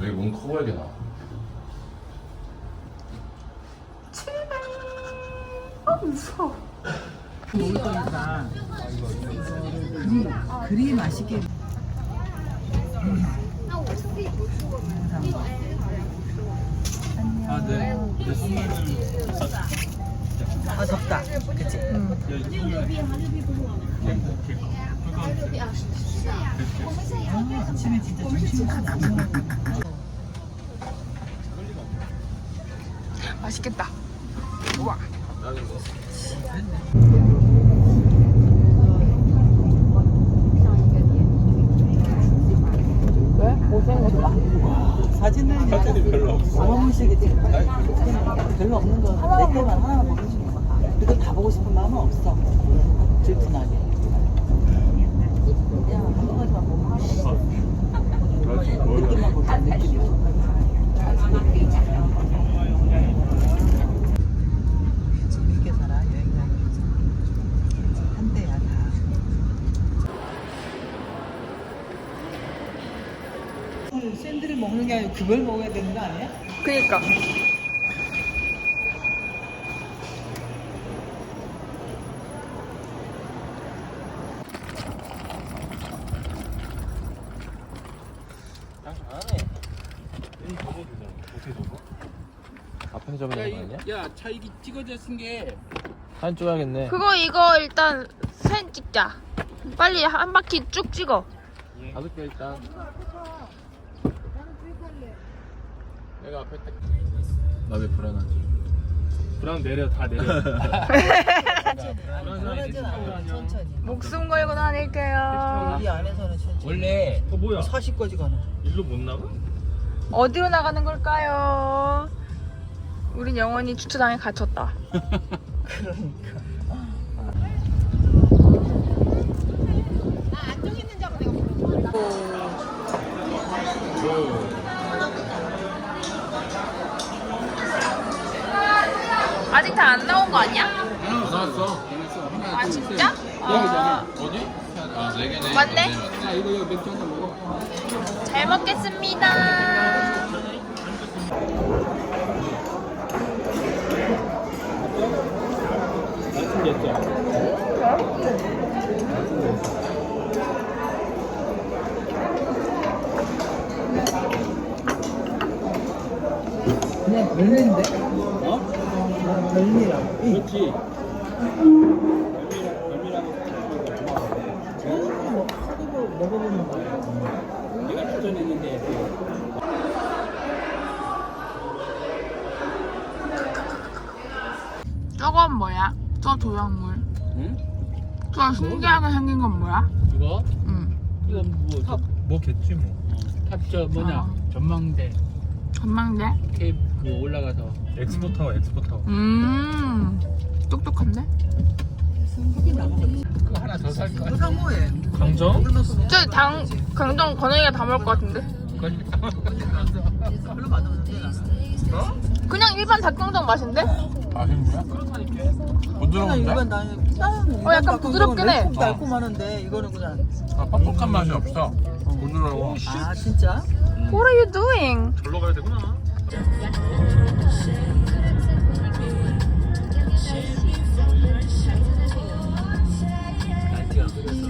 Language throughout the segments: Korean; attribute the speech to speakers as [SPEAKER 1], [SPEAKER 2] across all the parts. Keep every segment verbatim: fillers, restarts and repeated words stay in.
[SPEAKER 1] 여기 문 커보이게 나와.
[SPEAKER 2] 출발. 아 무서워.
[SPEAKER 3] 먹을 거니까 그리 그리 맛있게.
[SPEAKER 4] 아, 네. 네, 스물을.
[SPEAKER 3] 아 덥다. 그치? 응. 아, 아침에 진짜 점심
[SPEAKER 2] 맛있겠다. 우와. 왜? 못생겼다.
[SPEAKER 3] 사진은
[SPEAKER 4] 사진이 별로 없어.
[SPEAKER 3] 아무식이지. 별로 없는 거 내 때만 하나만 보여주는 거야. 그거 다 보고 싶은 마음은 없어. 질투나게. 그냥 한 가지만 보면 느낌만 보자. 느낌. 재밌게 살아. 여행 다니면서 한대야 다. 샌드를 먹는 게 아니고 그걸 먹어야 되는 거 아니야?
[SPEAKER 2] 그니까.
[SPEAKER 1] 앞에 접어야 되는 거 아니야?
[SPEAKER 4] 야, 차 이게 찍어져 쓴 게.
[SPEAKER 1] 사진 찍어야겠네.
[SPEAKER 2] 그거 이거 일단 사진 찍자. 빨리 한 바퀴 쭉 찍어.
[SPEAKER 1] 가볼게 일단. 내가 앞에 딱. 나 왜 불안하지?
[SPEAKER 4] 불안 내려, 다 내려.
[SPEAKER 3] 불안하진 않아. 천천히.
[SPEAKER 2] 목숨 걸고 다닐게요.
[SPEAKER 3] 이 안에서는 천천히.
[SPEAKER 4] 원래. 어, 뭐야?
[SPEAKER 3] 사십까지 가는.
[SPEAKER 4] 일로 못 나가?
[SPEAKER 2] 어디로 나가는 걸까요? 우린 영원히 주차장에 갇혔다.
[SPEAKER 3] 그러니까.
[SPEAKER 2] 아직 다 안 나온 거 아니야?
[SPEAKER 1] 나왔어.
[SPEAKER 2] 아 진짜? 아,
[SPEAKER 1] 어디? 아, 네 개네.
[SPEAKER 2] 맞네.
[SPEAKER 4] 야, 이거, 이거 맥주 한잔 먹어.
[SPEAKER 2] 잘 먹겠습니다.
[SPEAKER 4] 맛있겠죠?
[SPEAKER 3] 그냥 별미인데?
[SPEAKER 4] 어?
[SPEAKER 3] 별미라고.
[SPEAKER 4] 그렇지.
[SPEAKER 3] 사두고 먹어보는 거야.
[SPEAKER 4] 내가 추천했는데.
[SPEAKER 2] 저건 뭐야? 저 조형물.
[SPEAKER 4] 응?
[SPEAKER 2] 저 신기하게 생긴 건 뭐야?
[SPEAKER 4] 이거?
[SPEAKER 2] 응.
[SPEAKER 4] 이거 뭐, 탑,
[SPEAKER 1] 뭐겠지 뭐.
[SPEAKER 4] 탑, 저, 뭐냐.
[SPEAKER 2] 아.
[SPEAKER 4] 전망대.
[SPEAKER 2] 전망대?
[SPEAKER 4] 케이프 그 올라가서.
[SPEAKER 1] 엑스포 타워, 엑스포 타워.
[SPEAKER 2] 음. 똑똑한데?
[SPEAKER 3] 승국이 나먹었지.
[SPEAKER 4] 그거 하나 더 살 거야.
[SPEAKER 3] 그거 사 뭐해?
[SPEAKER 1] 강정?
[SPEAKER 2] 저 당, 강정 건영이가 다 먹을 것 같은데?
[SPEAKER 3] 별로 맛없는데 나는.
[SPEAKER 1] 어?
[SPEAKER 2] 그냥 일반 닭강정 맛인데?
[SPEAKER 1] 맛있는 거야?
[SPEAKER 4] 그렇다니까.
[SPEAKER 3] 그냥
[SPEAKER 1] 부드러운데?
[SPEAKER 3] 일반 나는 다른
[SPEAKER 2] 어, 약간 부드럽긴 해.
[SPEAKER 3] 달콤하는데 이거는 그냥.
[SPEAKER 1] 아, 퍽퍽한 맛이 없어. 부드러워.
[SPEAKER 3] 아 진짜?
[SPEAKER 2] What are you doing?
[SPEAKER 1] 절로 가야 되구나.
[SPEAKER 4] 날씨가 그래서.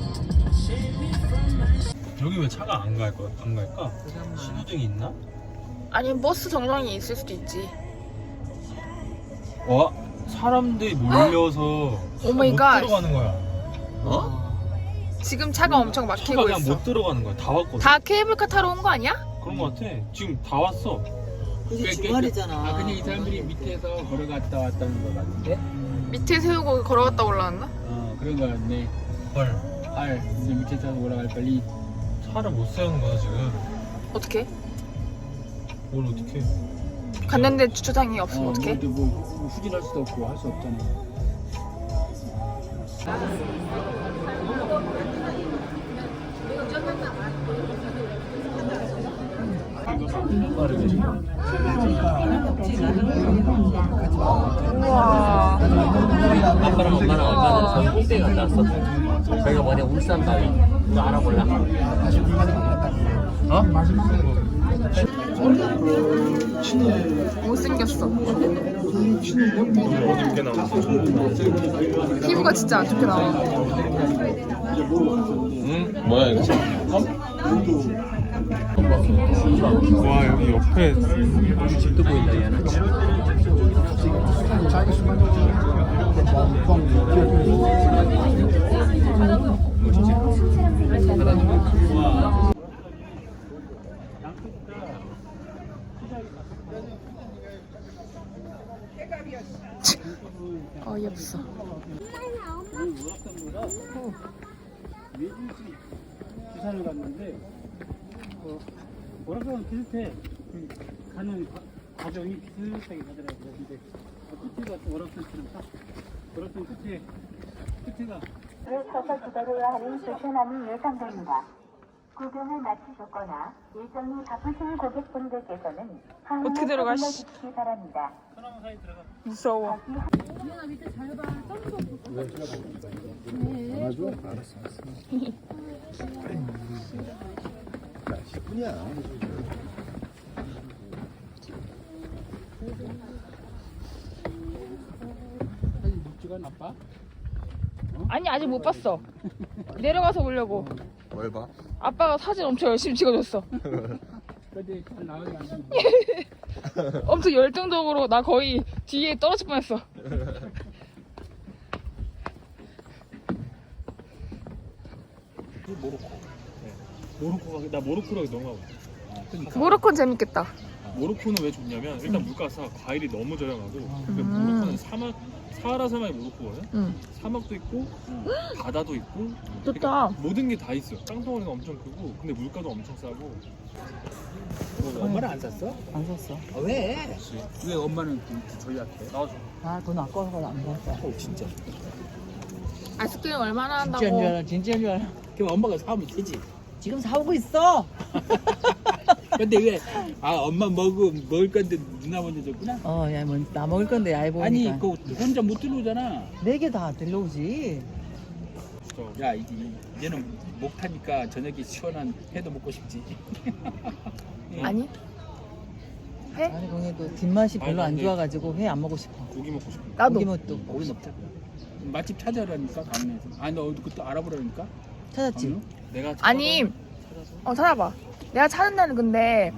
[SPEAKER 1] 여기 왜 차가 안 갈 거야? 안 갈까? 신호등이 있나?
[SPEAKER 2] 아니 버스 정류장이 있을 수도 있지.
[SPEAKER 1] 와, 사람들이 몰려서
[SPEAKER 2] 오 마이
[SPEAKER 1] 못
[SPEAKER 2] 갓.
[SPEAKER 1] 들어가는 거야. 어?
[SPEAKER 2] 지금 차가 엄청
[SPEAKER 1] 차가
[SPEAKER 2] 막히고
[SPEAKER 1] 그냥
[SPEAKER 2] 있어.
[SPEAKER 1] 못 들어가는 거야. 다 왔거든.
[SPEAKER 2] 다 케이블카 타러 온 거 아니야?
[SPEAKER 1] 그런 거 같아. 지금 다 왔어.
[SPEAKER 3] 그게 주말이잖아.
[SPEAKER 4] 아, 근데 이 사람들이 밑에서 걸어갔다 왔다는 거 같은데?
[SPEAKER 2] 밑에 세우고 걸어갔다 올라왔나?
[SPEAKER 4] 어, 그런 거 같네.
[SPEAKER 1] 헐.
[SPEAKER 4] 알, 이제 밑에서 올라갈 빨리.
[SPEAKER 1] 차를 못 세우는 거야 지금.
[SPEAKER 2] 어떻게?
[SPEAKER 1] 뭘 어떻게?
[SPEAKER 2] 갔는데 주차장이 없으면
[SPEAKER 4] 어,
[SPEAKER 2] 어떡해?
[SPEAKER 4] 뭐, 뭐 후진할 수도 없고 할 수 없잖아.
[SPEAKER 2] 우와.
[SPEAKER 5] 아빠랑 엄마랑 얼마 전에 저기 꼭대기 갔다 왔어. 저희가 뭐냐 울산 바위. 이거 알아볼라?
[SPEAKER 1] 어?
[SPEAKER 2] 못생겼어.
[SPEAKER 1] 어둡게 나왔어.
[SPEAKER 2] 피부가 진짜 안 좋게 나와.
[SPEAKER 1] 응? 뭐야 이거? 와 여기 옆에
[SPEAKER 5] 집도 보인다 얘는.
[SPEAKER 2] 어이없어.
[SPEAKER 6] 부산을 갔는데 어, 뭐라고 비슷해. 그 가는 과- 과정이 비슷하게 가더라고요. 근데 어, 끝에가 또 오락산처럼 딱 오락산 끝에 끝에가
[SPEAKER 7] 를 서서 기다려야 하는 불편함이 예상됩니다. 구경을 마치셨거나 일정이 바쁘신 고객분들께서는
[SPEAKER 2] 어떻게 들어가, 씨.
[SPEAKER 7] 주시기 바랍니다.
[SPEAKER 2] 무서워.
[SPEAKER 6] 목주가 나빠?
[SPEAKER 2] 아니 아직 못 봤어. 내려가서 보려고.
[SPEAKER 1] 뭘 봐?
[SPEAKER 2] 아빠가 사진 엄청 열심히 찍어줬어.
[SPEAKER 6] 근데 잘 나오지 않는데
[SPEAKER 2] 엄청 열정적으로 나 거의 뒤에 떨어질 뻔했어.
[SPEAKER 8] 모로코가 나 모로코로 너무 가고 싶어.
[SPEAKER 2] 모로코는 재밌겠다.
[SPEAKER 8] 모로코는 왜 좋냐면 일단 물가가 과일이 너무 저렴하고 그리고
[SPEAKER 2] 음.
[SPEAKER 8] 모로코는 사막 사하라 사막이 모로코거든.
[SPEAKER 2] 응.
[SPEAKER 8] 사막도 있고 바다도 있고
[SPEAKER 2] 좋다.
[SPEAKER 8] 그러니까 모든 게 다 있어. 땅덩어리가 엄청 크고 근데 물가도 엄청 싸고.
[SPEAKER 6] 엄마는 안 샀어?
[SPEAKER 3] 안 샀어.
[SPEAKER 6] 아, 왜? 왜 엄마는 전략해?
[SPEAKER 8] 나와줘.
[SPEAKER 3] 아, 돈 아까워서 안 샀어.
[SPEAKER 6] 어 진짜.
[SPEAKER 2] 아이스크림 얼마나
[SPEAKER 3] 진짜인 줄
[SPEAKER 2] 한다고?
[SPEAKER 3] 알아, 진짜인 줄 알아.
[SPEAKER 6] 그럼 엄마가 사오면 되지.
[SPEAKER 3] 지금 사오고 있어.
[SPEAKER 6] 근데 왜? 아 엄마 먹어 먹을 건데 누나 먼저 줬구나.
[SPEAKER 3] 어, 야, 뭐, 나 먹을 건데, 야, 보니까.
[SPEAKER 6] 아니 그거 혼자 못 들어오잖아.
[SPEAKER 3] 네 개 다 들러오지.
[SPEAKER 6] 야 이, 이- 얘는 목 타니까 저녁에 시원한 회도 먹고 싶지.
[SPEAKER 2] 아니. 해?
[SPEAKER 3] 아니, 공해도 뒷맛이 별로
[SPEAKER 8] 아니,
[SPEAKER 3] 안
[SPEAKER 8] 근데-
[SPEAKER 3] 좋아가지고 회 안 먹고 싶어.
[SPEAKER 8] 고기 먹고 싶어.
[SPEAKER 2] 나도.
[SPEAKER 3] 고기 먹도
[SPEAKER 6] 거기 먹자. 맛집 찾아라니까 강릉에서. 아니 너 어디 그때 알아보라니까.
[SPEAKER 3] 찾았지?
[SPEAKER 6] 강릉?
[SPEAKER 8] 내가
[SPEAKER 2] 아니. 어 찾아봐. 내가 찾은 데는 근데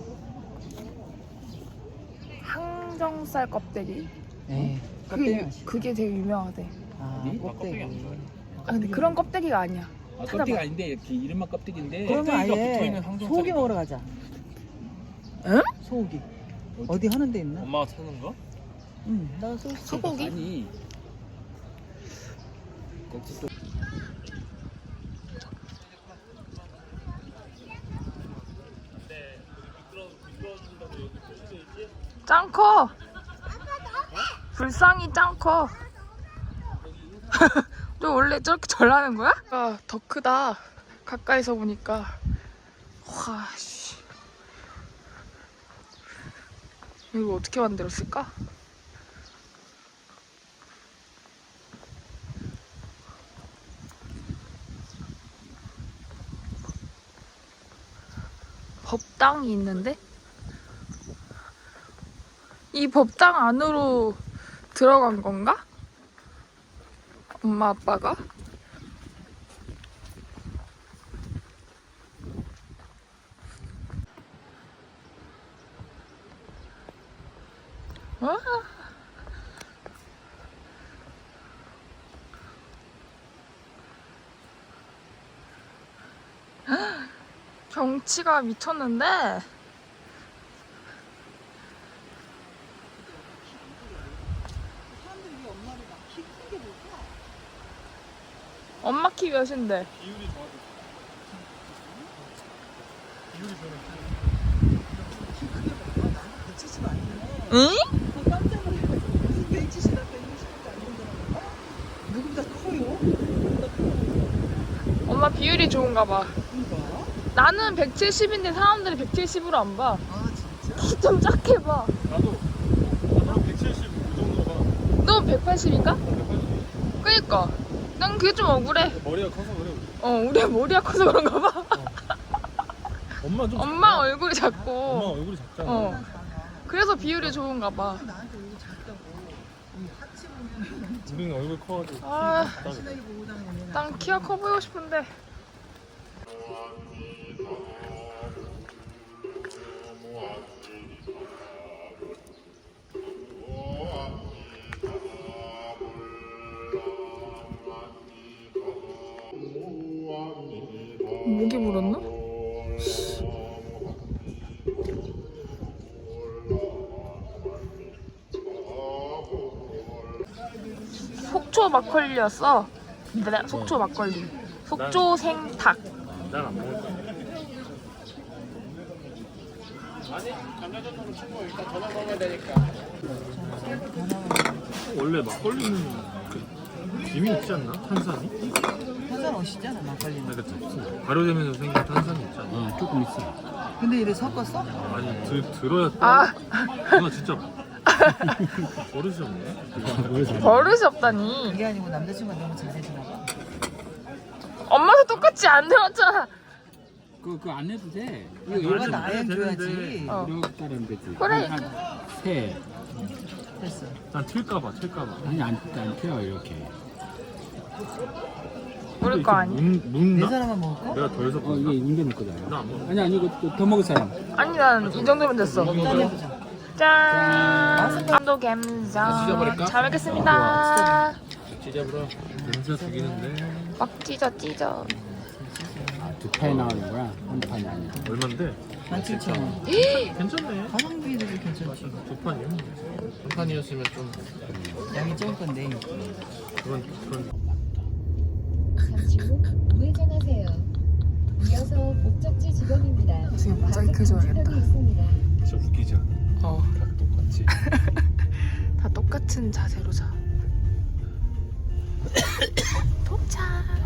[SPEAKER 2] 항정살 껍데기.
[SPEAKER 3] 에
[SPEAKER 2] 그게 그게 되게 유명하대.
[SPEAKER 3] 아,
[SPEAKER 6] 어디?
[SPEAKER 3] 껍데기.
[SPEAKER 2] 아 근데 그런 껍데기가 아니야.
[SPEAKER 6] 아,
[SPEAKER 2] 찾아봐.
[SPEAKER 6] 껍데기 아닌데 이렇게 이름만 껍데기인데.
[SPEAKER 3] 그러면
[SPEAKER 8] 껍데기가
[SPEAKER 3] 아예
[SPEAKER 8] 붙어있는 항정살이
[SPEAKER 3] 소고기 먹으러 가자.
[SPEAKER 2] 응?
[SPEAKER 3] 소고기. 어디 하는 데 있나?
[SPEAKER 8] 엄마가 찾는 거?
[SPEAKER 3] 응, 나 소,
[SPEAKER 2] 소고기?
[SPEAKER 6] 아니. 거기 또
[SPEAKER 2] 짱 커. 불쌍히 짱 커. 너 원래 저렇게 절하는 거야? 아, 더 크다. 가까이서 보니까. 와, 씨. 이거 어떻게 만들었을까? 법당이 있는데? 이 법당 안으로 들어간 건가? 엄마 아빠가? 와. 경치가 미쳤는데? 엄마 키 몇인데? 응?
[SPEAKER 3] 누구보다 커요?
[SPEAKER 2] 엄마 비율이 좋은가 봐. 나는 백칠십인데 사람들이 백칠십으로 안 봐.
[SPEAKER 3] 아, 진짜?
[SPEAKER 2] 키 좀 작게 봐.
[SPEAKER 8] 나도 나도 백칠십오 정도 봐.
[SPEAKER 2] 너 백팔십인가? 그니까. 난 그게 좀 억울해.
[SPEAKER 8] 머리가 커서 그래.
[SPEAKER 2] 어, 우리 머리가 커서 그런가 봐.
[SPEAKER 8] 엄마 좀
[SPEAKER 2] 엄마 얼굴이
[SPEAKER 8] 작아.
[SPEAKER 2] 작고.
[SPEAKER 8] 엄마 얼굴이 작잖아.
[SPEAKER 2] 어. 그래서 비율이 좋은가 봐.
[SPEAKER 8] 우리는 얼굴 커가지고.
[SPEAKER 2] 아, 난 키가 커 보이고 싶은데. 목이 물었나? 속초 막걸리였어. 네, 속초 막걸리. 속초 생닭.
[SPEAKER 8] 난 안 먹을 거야.
[SPEAKER 1] 아니 감자전으로 친구 일단 저녁 먹어야 되니까.
[SPEAKER 8] 원래 막걸리는 그 김이 있지 않나? 탄산이?
[SPEAKER 3] 탄산 없이잖아 막걸리는.
[SPEAKER 8] 그러니까 무슨 발효되면서 생긴 탄산이 있잖아.
[SPEAKER 4] 어, 조금 있어.
[SPEAKER 3] 근데 이래 섞었어?
[SPEAKER 8] 아니 들, 들어야
[SPEAKER 2] 아,
[SPEAKER 8] 누나 진짜 버릇이 없네.
[SPEAKER 2] 버릇이 없다니.
[SPEAKER 3] 이게 아니고 남자친구가 너무 잘 되시나 봐.
[SPEAKER 2] 엄마도 똑같이 안 되었잖아.
[SPEAKER 4] 그, 그거 안 해도 돼.
[SPEAKER 3] 이거 얘가 나야 줘야지.
[SPEAKER 2] 어.
[SPEAKER 4] 이렇게 따르면 되지.
[SPEAKER 2] 그래.
[SPEAKER 4] 한 세.
[SPEAKER 3] 됐어.
[SPEAKER 8] 난 튈까봐 튈까봐.
[SPEAKER 4] 아니, 안, 안 펴요, 이렇게.
[SPEAKER 2] 모를 거 아니?
[SPEAKER 8] 문,
[SPEAKER 3] 네
[SPEAKER 8] 문나?
[SPEAKER 3] 사람만 먹을 거?
[SPEAKER 8] 내가 덜 섞었나?
[SPEAKER 4] 어, 이게 웅변 거잖아.
[SPEAKER 8] 나안 먹어.
[SPEAKER 4] 아니, 아니, 이거 더 먹을 사람.
[SPEAKER 2] 아니 난 이 정도면 됐어.
[SPEAKER 3] 짠 해보자.
[SPEAKER 2] 짠. 감도 감성.
[SPEAKER 1] 찢어버릴까?
[SPEAKER 2] 잘 먹겠습니다.
[SPEAKER 1] 찢어버려.
[SPEAKER 8] 냄새 죽이는데.
[SPEAKER 2] 막 찢어 찢어.
[SPEAKER 4] 아, 두 판이 나오는 거야? 한 판이 아니야.
[SPEAKER 8] 얼만데?
[SPEAKER 3] 만 칠천 원.
[SPEAKER 8] 괜찮네.
[SPEAKER 3] 가성비도 괜찮지.
[SPEAKER 8] 두 판이요?
[SPEAKER 1] 한 판이었으면 좀
[SPEAKER 3] 양이 적을 건데.
[SPEAKER 8] 그런 그런.
[SPEAKER 9] 잠시 후 우회전하세요. 이어서 목적지 지점입니다.
[SPEAKER 2] 지금 모자이크 해줘야겠다.
[SPEAKER 9] 있습니다.
[SPEAKER 8] 진짜 웃기지 않아?
[SPEAKER 2] 어.
[SPEAKER 8] 다 똑같이.
[SPEAKER 2] 다 똑같은 자세로 자. 도착.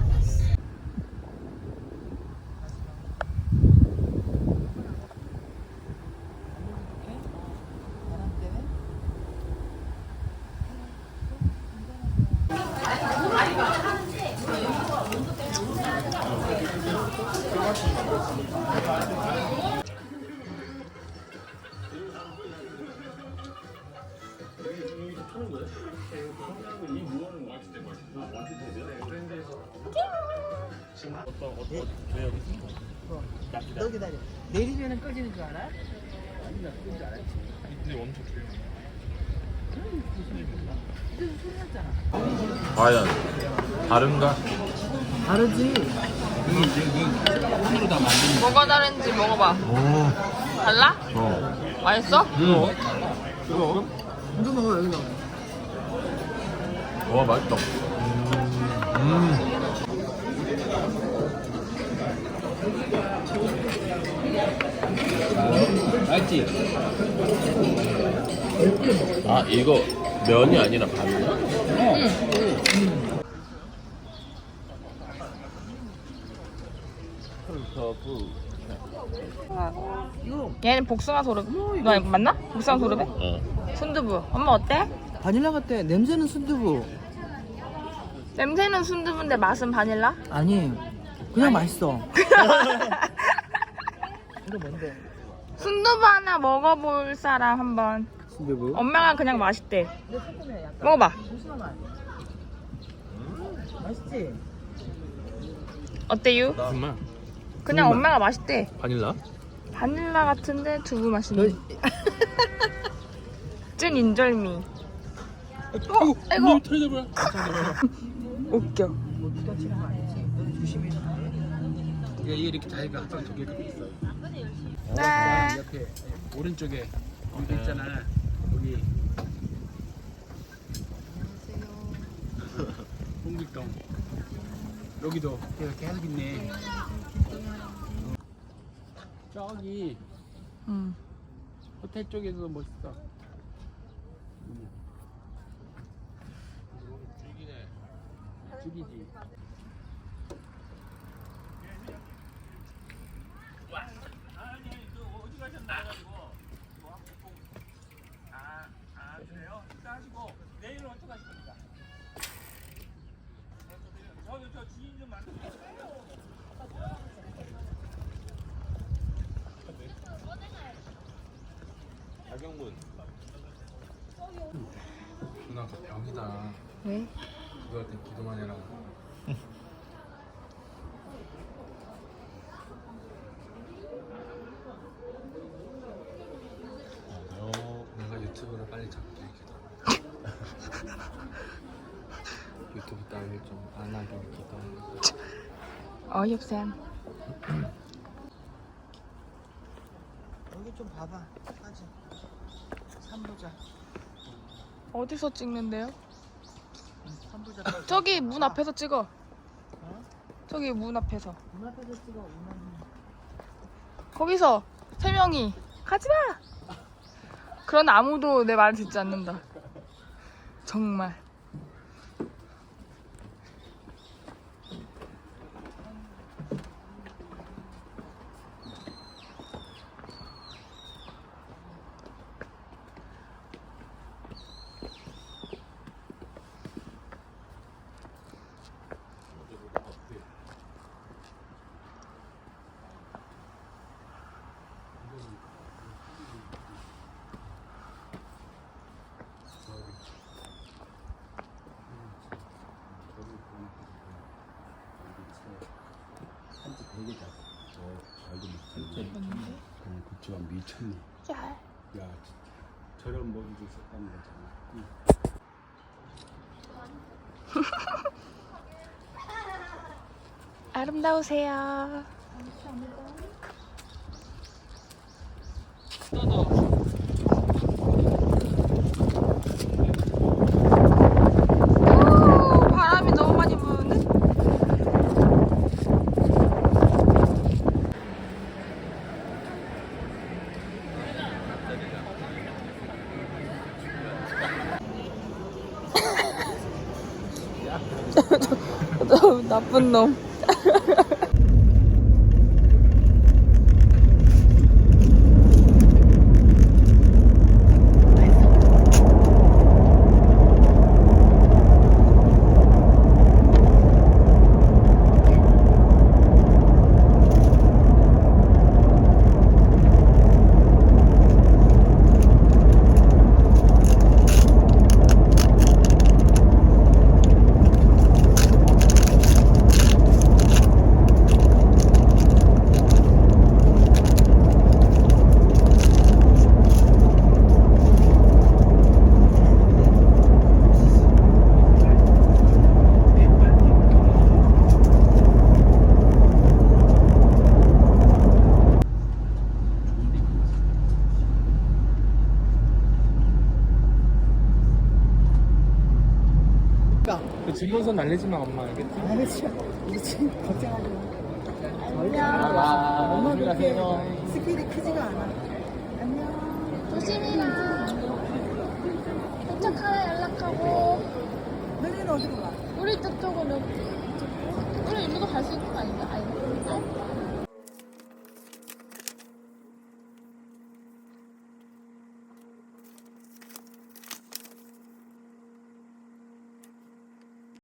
[SPEAKER 3] 너 기다려. 내리면은 꺼지는 줄 알아?
[SPEAKER 8] 근데 엄청 좋아.
[SPEAKER 1] 과연 다른가?
[SPEAKER 3] 다르지.
[SPEAKER 2] 뭐가 다른지 먹어봐.
[SPEAKER 8] 오.
[SPEAKER 2] 달라?
[SPEAKER 8] 어.
[SPEAKER 2] 맛있어?
[SPEAKER 8] 이거 이거
[SPEAKER 3] 이거 먹어 여기 먹어.
[SPEAKER 1] 와 맛있다.
[SPEAKER 8] 음.
[SPEAKER 4] 알지?
[SPEAKER 1] 아 이거 면이 아니라 밥이야?
[SPEAKER 2] 얘는 복숭아 소르베. 너 맞나? 복숭아 소르베?
[SPEAKER 1] 어.
[SPEAKER 2] 순두부. 엄마 어때?
[SPEAKER 3] 바닐라 같아. 냄새는 순두부.
[SPEAKER 2] 냄새는 순두부인데 맛은 바닐라?
[SPEAKER 3] 아니. 그냥 맛있어. 이거 뭔데?
[SPEAKER 2] 순두부 하나 먹어볼 사람 한번.
[SPEAKER 4] 순두부?
[SPEAKER 2] 엄마가 그냥 맛있대. 먹어봐.
[SPEAKER 3] 맛있지?
[SPEAKER 2] 어때요?
[SPEAKER 8] 정말
[SPEAKER 2] 그냥 엄마가 맛있대.
[SPEAKER 8] 바닐라?
[SPEAKER 2] 바닐라 같은데 두부
[SPEAKER 3] 너
[SPEAKER 2] 맛있네. 찐 인절미. 어,
[SPEAKER 8] 아이고
[SPEAKER 2] 아이고.
[SPEAKER 8] 털려버려.
[SPEAKER 2] 웃겨.
[SPEAKER 3] 뭐 누가 치는 거 아니지? 너 조심해.
[SPEAKER 4] 이게 이렇게 다리가 항상 두 개가 있어.
[SPEAKER 2] 네.
[SPEAKER 4] 옆에 오른쪽에 여기 있잖아. 여기. 홍길동. 여기도 계속 계속 있네. 저기
[SPEAKER 2] 응.
[SPEAKER 4] 호텔 쪽에도 멋있어. 죽이지.
[SPEAKER 5] 박영문.
[SPEAKER 1] 누나 그 병이다.
[SPEAKER 2] 왜?
[SPEAKER 1] 기도할 땐 기도만 해라. 어, 내가 유튜브를 빨리 잡게 기도. 유튜브 따위를 좀 안 하게 기도.
[SPEAKER 2] 어이없쌤.
[SPEAKER 3] 여기 좀 봐봐. 까지. 삼부자.
[SPEAKER 2] 어디서 찍는데요?
[SPEAKER 3] 삼부자.
[SPEAKER 2] 저기 문 앞에서 찍어. 저기 문 앞에서.
[SPEAKER 3] 문 앞에서 찍어. 문 앞에.
[SPEAKER 2] 거기서 세 명이 가지마. 그런 아무도 내 말을 듣지 않는다. 정말.
[SPEAKER 4] 한지 되게 작아. 저 알고 못하는데. 그냥 고추가 미쳤네.
[SPEAKER 2] 야.
[SPEAKER 4] 야, 저런 머리를 썼다는 거잖아. 응.
[SPEAKER 2] 아름다우세요. 오, 바람이 너무 많이 부는데? 저, 저 나쁜 놈.
[SPEAKER 1] 그 증명서 날리지 마, 엄마. 알겠지?
[SPEAKER 3] 알겠지. 우리 지금 걱정하지 마.
[SPEAKER 1] 아,
[SPEAKER 3] 엄마 그렇게
[SPEAKER 1] 가세요.
[SPEAKER 3] 스킬이 크지가 않아.
[SPEAKER 2] 조심히라. 도착하라 연락하고.
[SPEAKER 3] 너희는 어디로 가?
[SPEAKER 2] 우리 저쪽으로.